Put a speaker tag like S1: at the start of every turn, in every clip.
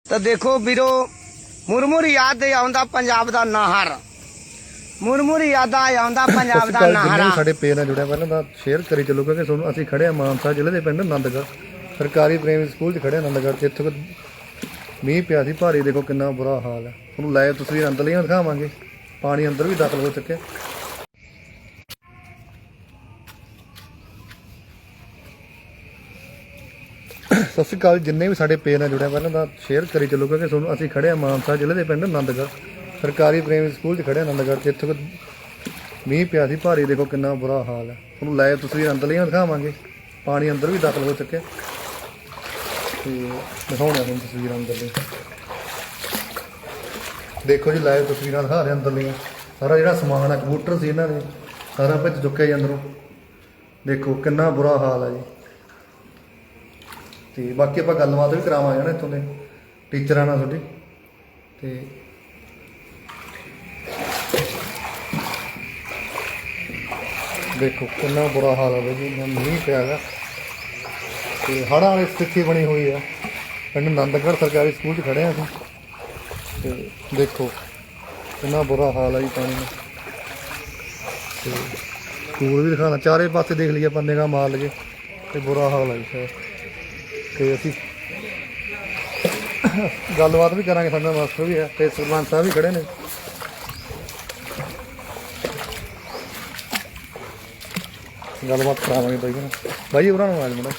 S1: ਤਾਂ ਦੇਖੋ ਵੀਰੋ, ਮੁਰਮੁਰ ਯਾਦ ਆਉਂਦਾ ਪੰਜਾਬ ਦਾ ਨਾਹਰ, ਮੁਰਮੁਰ ਯਾਦਾਂ ਆਉਂਦਾ ਪੰਜਾਬ ਦਾ ਨਾਹਰ।
S2: ਜਿੰਨੇ ਸਾਡੇ ਪੇਜ ਨਾਲ ਜੁੜਿਆ ਪਹਿਲਾਂ ਤਾਂ ਸ਼ੇਅਰ ਕਰੀ ਚੱਲੋ, ਕਿਉਂਕਿ ਤੁਹਾਨੂੰ ਅਸੀਂ ਖੜੇ ਆ ਮਾਨਸਾ ਜ਼ਿਲ੍ਹੇ ਦੇ ਪਿੰਡ ਆਨੰਦਗੜ੍ਹ ਸਰਕਾਰੀ ਪ੍ਰਾਇਮਰੀ ਸਕੂਲ 'ਚ ਖੜੇ ਆ ਆਨੰਦਗੜ੍ਹ 'ਚ। ਇੱਥੇ ਮੀਂਹ ਪਿਆ ਸੀ ਭਾਰੀ, ਦੇਖੋ ਕਿੰਨਾ ਬੁਰਾ ਹਾਲ ਹੈ। ਤੁਹਾਨੂੰ ਲਾਈਵ ਤਸਵੀਰ ਅੰਦਰਲੀਆਂ ਦਿਖਾਵਾਂਗੇ, ਪਾਣੀ ਅੰਦਰ ਵੀ ਦਾਖਲ ਹੋ ਚੁੱਕਿਆ। ਸਤਿ ਸ਼੍ਰੀ ਅਕਾਲ। ਜਿੰਨੇ ਵੀ ਸਾਡੇ ਪੇਜ ਨਾਲ ਜੁੜਿਆ ਪਹਿਲਾਂ ਤਾਂ ਸ਼ੇਅਰ ਕਰੀ ਚੱਲੋ, ਕਿਉਂਕਿ ਤੁਹਾਨੂੰ ਅਸੀਂ ਖੜੇ ਆ ਮਾਨਸਾ ਜ਼ਿਲ੍ਹੇ ਦੇ ਪਿੰਡ ਆਨੰਦਗੜ੍ਹ ਸਰਕਾਰੀ ਪ੍ਰਾਇਮਰੀ ਸਕੂਲ 'ਚ ਖੜੇ ਆ ਆਨੰਦਗੜ੍ਹ 'ਚ। ਇੱਥੇ ਮੀਂਹ ਪਿਆ ਸੀ ਭਾਰੀ, ਦੇਖੋ ਕਿੰਨਾ ਬੁਰਾ ਹਾਲ ਹੈ। ਤੁਹਾਨੂੰ ਲਾਈਵ ਤਸਵੀਰ ਅੰਦਰਲੀਆਂ ਦਿਖਾਵਾਂਗੇ, ਪਾਣੀ ਅੰਦਰ ਵੀ ਦਾਖਲ ਹੋ ਚੁੱਕਿਆ ਤੇ ਦਿਖਾਉਣਾ ਤੁਹਾਨੂੰ ਤਸਵੀਰਾਂ ਅੰਦਰਲੀ। ਦੇਖੋ ਜੀ, ਲਾਈਵ ਤਸਵੀਰਾਂ ਦਿਖਾ ਰਹੇ ਅੰਦਰਲੀਆਂ। ਸਾਰਾ ਜਿਹੜਾ ਸਮਾਨ ਹੈ, ਕੰਪਿਊਟਰ ਸੀ ਇਹਨਾਂ ਦੇ, ਸਾਰਾ ਭਿੱਜ ਚੁੱਕਿਆ ਜੀ ਅੰਦਰੋਂ। ਦੇਖੋ ਕਿੰਨਾ ਬੁਰਾ ਹਾਲ ਹੈ ਜੀ। ਤੇ ਬਾਕੀ ਆਪਾਂ ਗੱਲਬਾਤ ਵੀ ਕਰਾਵਾਂਗੇ ਨਾ ਇੱਥੋਂ ਦੇ ਟੀਚਰਾਂ ਨਾਲ ਤੁਹਾਡੀ। ਤੇ ਦੇਖੋ ਕਿੰਨਾ ਬੁਰਾ ਹਾਲ ਹੈ ਜੀ, ਮੀਂਹ ਪਿਆ ਗਾ ਤੇ ਹੜ੍ਹਾਂ ਵਾਲੀ ਸਥਿਤੀ ਬਣੀ ਹੋਈ ਆ। ਪਿੰਡ ਆਨੰਦਗੜ੍ਹ ਸਰਕਾਰੀ ਸਕੂਲ 'ਚ ਖੜੇ ਆ ਅਸੀਂ ਤੇ ਦੇਖੋ ਕਿੰਨਾ ਬੁਰਾ ਹਾਲ ਹੈ ਜੀ ਪਾਣੀ ਦਾ। ਤੇ ਸਕੂਲ ਵੀ ਦਿਖਾਉਣਾ, ਚਾਰੇ ਪਾਸੇ ਦੇਖ ਲਈਏ ਆਪਾਂ, ਨਿਗਾਹ ਮਾਰ ਲਈਏ ਤੇ ਬੁਰਾ ਹਾਲ ਹੈ ਜੀ। ਤੇ ਅਸੀਂ ਗੱਲਬਾਤ ਵੀ ਕਰਾਂਗੇ, ਸਾਡਾ ਮਾਸਟਰ ਵੀ ਹੈ ਤੇ ਸਰਪੰਚ ਸਾਹਿਬ ਵੀ ਖੜੇ ਨੇ। ਗੱਲਬਾਤ ਕਰਾਵਾਂਗੇ ਬਾਈ ਨਾਲ। ਬਾਈ ਉਹਨਾਂ ਨੂੰ ਆਵਾਜ਼ ਮਾਰੋ।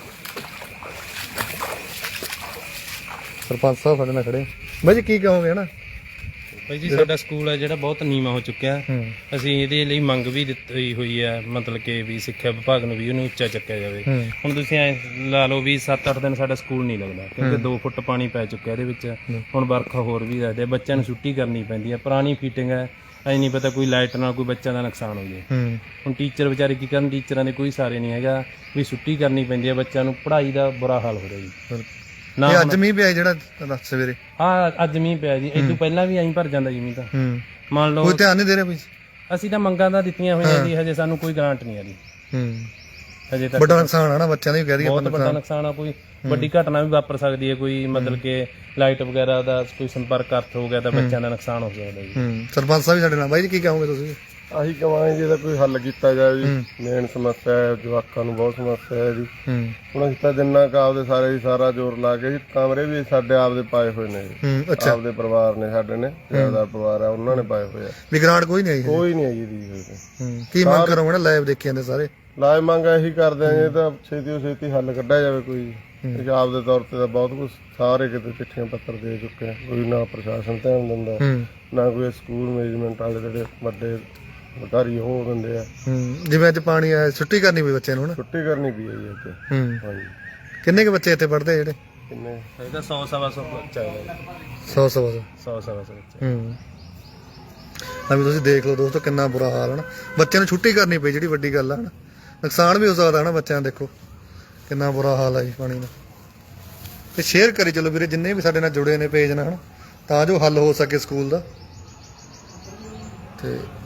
S2: ਸਰਪੰਚ ਸਾਹਿਬ ਸਾਡੇ ਨਾਲ ਖੜੇ। ਬਾਈ ਜੀ ਕੀ ਕਹੋਗੇ ਹਨਾ?
S3: ਭਾਈ ਜੀ, ਸਾਡਾ ਸਕੂਲ ਹੈ ਜਿਹੜਾ ਬਹੁਤ ਨੀਵਾਂ ਹੋ ਚੁੱਕਿਆ। ਅਸੀਂ ਇਹਦੇ ਲਈ ਮੰਗ ਵੀ ਦਿੱਤੀ ਹੋਈ ਹੈ, ਮਤਲਬ ਕਿ ਵੀ ਸਿੱਖਿਆ ਵਿਭਾਗ ਨੂੰ ਵੀ ਉਹਨੂੰ ਉੱਚਾ ਚੱਕਿਆ ਜਾਵੇ। ਹੁਣ ਤੁਸੀਂ ਐ ਲਾ ਲਓ ਵੀ 7-8 ਦਿਨ ਸਾਡਾ ਸਕੂਲ ਨਹੀਂ ਲੱਗਦਾ, ਕਿਉਂਕਿ 2 ਫੁੱਟ ਪਾਣੀ ਪੈ ਚੁੱਕਿਆ ਇਹਦੇ ਵਿੱਚ। ਹੁਣ ਵਰਖਾ ਹੋਰ ਵੀ ਲੱਗਦੇ, ਬੱਚਿਆਂ ਨੂੰ ਛੁੱਟੀ ਕਰਨੀ ਪੈਂਦੀ ਹੈ। ਪੁਰਾਣੀ ਫੀਟਿੰਗ ਹੈ, ਐ ਨਹੀਂ ਪਤਾ ਕੋਈ ਲਾਈਟ ਨਾਲ ਕੋਈ ਬੱਚਿਆਂ ਦਾ ਨੁਕਸਾਨ ਹੋ ਜਾਏ। ਹੁਣ ਟੀਚਰ ਵਿਚਾਰੇ ਕੀ ਕਰਨ, ਟੀਚਰਾਂ ਦੇ ਕੋਈ ਸਾਰੇ ਨਹੀਂ ਹੈਗਾ, ਵੀ ਛੁੱਟੀ ਕਰਨੀ ਪੈਂਦੀ ਹੈ। ਬੱਚਿਆਂ ਨੂੰ ਪੜ੍ਹਾਈ ਦਾ ਬੁਰਾ ਹਾਲ ਹੋ ਰਿਹਾ ਜੀ।
S2: ਨਾ ਅੱਜ ਮੀਂਹ ਪਿਆ ਜਿਹੜਾ ਸਵੇਰੇ?
S3: ਹਾਂ, ਅੱਜ ਮੀਂਹ ਪਿਆ ਜੀ। ਇਹ ਤੋਂ ਪਹਿਲਾਂ ਵੀ ਐਂ ਭਰ ਜਾਂਦਾ ਜੀ ਮੀਂਹ ਤਾਂ। ਮੰਨ ਲਓ
S2: ਕੋਈ ਧਿਆਨ ਨਹੀਂ ਦੇ ਰਿਹਾ ਕੋਈ।
S3: ਅਸੀਂ ਤਾਂ ਮੰਗਾਂ ਤਾਂ ਦਿੱਤੀਆਂ ਹੋਈਆਂ ਜੀ, ਹਜੇ ਸਾਨੂੰ ਕੋਈ ਗ੍ਰਾਂਟ ਨਹੀਂ ਆ ਰਹੀ ਹਜੇ ਤੱਕ।
S2: ਵੱਡਾ ਨੁਕਸਾਨ ਆ ਨਾ ਬੱਚਿਆਂ ਦਾ ਵੀ, ਕਹਿ ਦਈਏ
S3: ਬਹੁਤ ਵੱਡਾ ਨੁਕਸਾਨ ਆ। ਕੋਈ ਵੱਡੀ ਘਟਨਾ ਵੀ ਵਾਪਰ ਸਕਦੀ ਹੈ, ਕੋਈ ਮਤਲਬ ਕਿ ਲਾਈਟ ਵਗੈਰਾ ਦਾ ਕੋਈ ਸੰਪਰਕ ਅਰਥ ਹੋ ਗਿਆ ਤਾਂ ਬੱਚਿਆਂ ਦਾ ਨੁਕਸਾਨ ਹੋ ਸਕਦਾ ਜੀ।
S2: ਸਰਪੰਚ ਸਾਹਿਬ ਵੀ ਸਾਡੇ ਨਾਲ। ਬਾਈ ਜੀ ਕੀ ਕਹੋਗੇ ਤੁਸੀਂ?
S4: ਅਸੀਂ ਕਹਾਂਗੇ ਜੀ ਇਹਦਾ ਕੋਈ ਹੱਲ ਕੀਤਾ ਜਾਵੇ ਜੀ। ਮੇਨ ਸਮੱਸਿਆ ਹੈ, ਜਵਾਕਾਂ ਨੂੰ ਬਹੁਤ ਸਮੱਸਿਆ ਹੈ ਜੀ। ਹੁਣ ਅਸੀਂ ਤਾਂ ਜਿੰਨਾ ਕੁ ਆਪਦੇ ਸਾਰੇ ਸਾਰਾ ਜ਼ੋਰ ਲਾ ਕੇ ਜੀ, ਕਮਰੇ ਵੀ ਸਾਡੇ ਆਪਦੇ ਪਾਏ ਹੋਏ ਨੇ ਜੀ। ਆਪਦੇ ਪਰਿਵਾਰ ਨੇ, ਸਾਡੇ ਨੇ ਜ਼ਿਆਦਾ ਪਰਿਵਾਰ ਆ, ਉਹਨਾਂ ਨੇ ਪਾਏ ਹੋਏ ਆ।
S2: ਵੀ ਗ੍ਰਾਂਟ ਕੋਈ ਨਹੀਂ ਆਈ?
S4: ਕੋਈ ਨਹੀਂ ਆਈ ਜੀ।
S2: ਕੀ ਮੰਗ ਕਰੋਗੇ ਨਾ? ਲਾਈਵ ਦੇਖੀ ਜਾਂਦੇ ਸਾਰੇ
S4: ਲਾਜ ਮੰਗ ਇਹੀ ਕਰਦੇ ਆ ਜੀ, ਤਾਂ ਛੇਤੀ ਛੇਤੀ ਹੱਲ ਕੱਢਿਆ ਜਾਵੇ ਕੋਈ। ਪੰਜਾਬ ਦੇ ਤੌਰ ਤੇ ਤਾਂ ਬਹੁਤ ਕੁਛ ਸਾਰੇ ਕਿਤੇ ਚਿੱਠੀਆਂ ਪੱਤਰ ਦੇ ਚੁੱਕੇ ਆ, ਕੋਈ ਨਾ ਪ੍ਰਸ਼ਾਸਨ ਧਿਆਨ ਦਿੰਦਾ, ਨਾ ਕੋਈ ਸਕੂਲ ਮੈਨੇਜਮੈਂਟ ਵਾਲੇ ਜਿਹੜੇ ਵੱਡੇ ਅਧਿਕਾਰੀ ਉਹ ਦਿੰਦੇ ਆ।
S2: ਜਿਵੇਂ ਅੱਜ ਪਾਣੀ ਆਇਆ, ਛੁੱਟੀ ਕਰਨੀ ਪਈ ਬੱਚਿਆਂ ਨੂੰ?
S4: ਛੁੱਟੀ ਕਰਨੀ ਪਈ ਹੈ ਜੀ ਇੱਥੇ। ਹਾਂਜੀ।
S2: ਕਿੰਨੇ ਕੁ ਬੱਚੇ ਇੱਥੇ ਪੜ੍ਹਦੇ ਜਿਹੜੇ?
S4: ਕਿੰਨੇ?
S3: ਇਹਦਾ 100-125 ਬੱਚਾ ਹੈ।
S2: 100-125
S3: ਬੱਚਾ।
S2: ਵੀ ਤੁਸੀਂ ਦੇਖ ਲਓ ਦੋਸਤੋ ਕਿੰਨਾ ਬੁਰਾ ਹਾਲ ਹੈ ਨਾ। ਬੱਚਿਆਂ ਨੂੰ ਛੁੱਟੀ ਕਰਨੀ ਪਈ, ਜਿਹੜੀ ਵੱਡੀ ਗੱਲ ਹੈ ਨਾ। ਨੁਕਸਾਨ ਵੀ ਹੋ ਸਕਦਾ ਹੈ ਨਾ ਬੱਚਿਆਂ ਦਾ। ਦੇਖੋ ਕਿੰਨਾ ਬੁਰਾ ਹਾਲ ਹੈ ਜੀ ਪਾਣੀ ਦਾ। ਤੇ ਸ਼ੇਅਰ ਕਰੀ ਚਲੋ ਵੀਰੇ, ਜਿੰਨੇ ਵੀ ਸਾਡੇ ਨਾਲ ਜੁੜੇ ਨੇ ਪੇਜ ਨਾਲ, ਤਾਂ ਜੋ ਹੱਲ ਹੋ ਸਕੇ ਸਕੂਲ ਦਾ। ਤੇ